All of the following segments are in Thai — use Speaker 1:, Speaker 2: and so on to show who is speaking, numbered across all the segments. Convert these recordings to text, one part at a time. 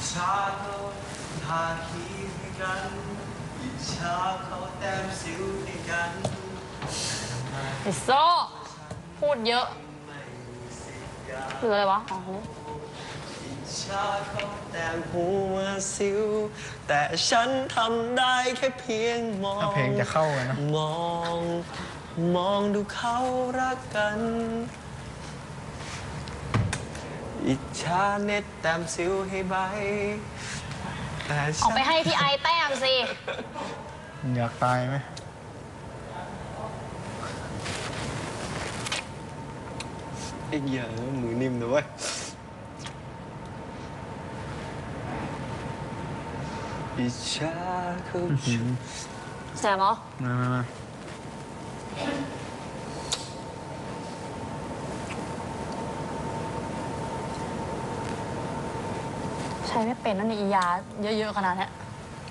Speaker 1: ชาเขาทาครีมให้กันอิจฉาเขาแต้มสิวให้กัน
Speaker 2: ไอโซ่พูดเยอะหรืออะไรวะอ๋อ
Speaker 1: อิจฉาเขาแต้มหัวสิวแต่ฉันทำได้แค่เพียงมอง
Speaker 3: เพลงจะเข้ากันนะ
Speaker 1: มองดูเขารักกันอิจฉาเน็ตแต้มสิวให้ใบ
Speaker 2: เอาไปให้พี่ไอแต้มสิ
Speaker 3: อยากตายไหม
Speaker 1: ไอ้เหี้ยมือนิ่มนะเว้ยอิจฉาเขา
Speaker 2: แสบเหรอ
Speaker 3: มา
Speaker 2: ใช้ไม่เป็นนั่นนี่ยาเยอะๆขนาดนี้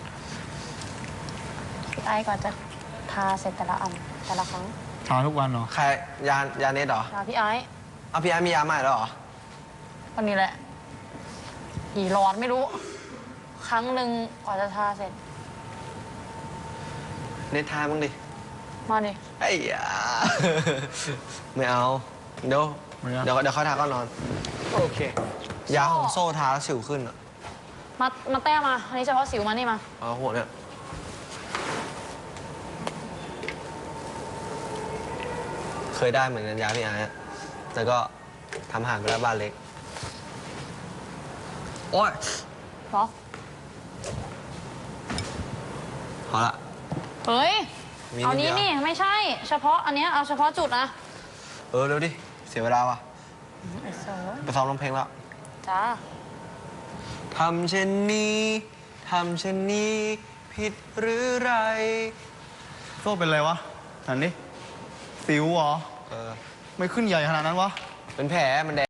Speaker 2: พี่ไอก่อนจะทาเสร็จแต่ละอันแต่ละครั้ง
Speaker 3: ทาทุกวันเหรอ
Speaker 1: ใครยาเน็ตเหรอ
Speaker 2: พี่ไอ
Speaker 1: เอาพี่ไอมียาใหม่แล้วเหรอ
Speaker 2: วันนี้แหละกี่หลอดไม่รู้ครั้งหนึ่งกว่าจะทาเสร็จ
Speaker 1: เน็ตทาบ้างดิ
Speaker 2: มาดิ
Speaker 1: ไอ้ยาไม่เอาเดี๋ยวเขาทาก็นอนโอเคยาของโซ่ทาแล้วสิวขึ้นอ่ะ
Speaker 2: มาแต้มมาอันนี้เฉพาะสิวมานี่มา
Speaker 1: เอาหัวเนี่ยเคยได้เหมือนกันยาพี่ไอ้แต่ก็ทำห่างไปแล้วบ้านเล็กโอ๊ย
Speaker 2: เหรอ
Speaker 1: พอละ
Speaker 2: เฮ้ยเอานี้นี่ไม่ใช่เฉพาะอันนี้เอาเฉพาะจุดนะ
Speaker 1: เร็วดิเสียเวลาว่ะไปซ้อมร้องเพลงแล้ว
Speaker 2: จ้า
Speaker 1: ทำเช่นนี้ผิดหรือไร
Speaker 3: โซ่เป็นไรวะนั่นดิสิวเหรอ
Speaker 1: ไม่
Speaker 3: ขึ้นใหญ่ขนาดนั้นวะ
Speaker 1: เป็นแผลมันแดง